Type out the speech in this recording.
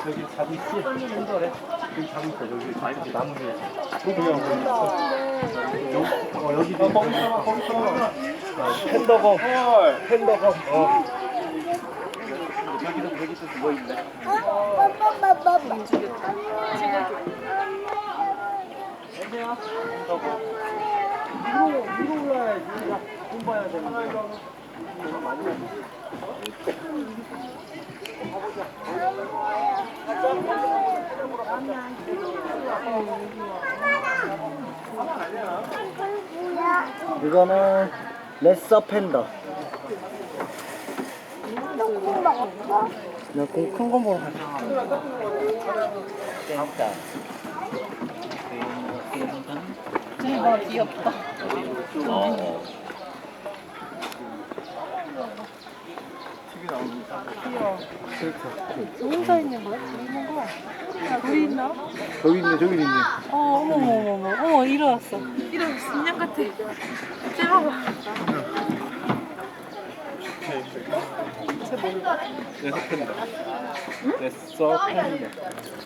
여기 자고 있지? 한절에 여기 자고 있어. 여기 나무 위에. 여기 거기 있어. 거기 있어. 팬더검. 팬더검. 여기도 누워 있네. 위로 올라야지. 돈 봐야 되는데. 돈 많이 받네. 이거는 레서 팬더. 나공큰 거 보러 가자. 대박 귀엽다. 혼자 있는 거야? 둘이 있는 거야? 둘이 있나? 저기 있네. 어머 일어났어. 인형 같아. 쟤봐봐. 레서 팬더. 레서 팬더.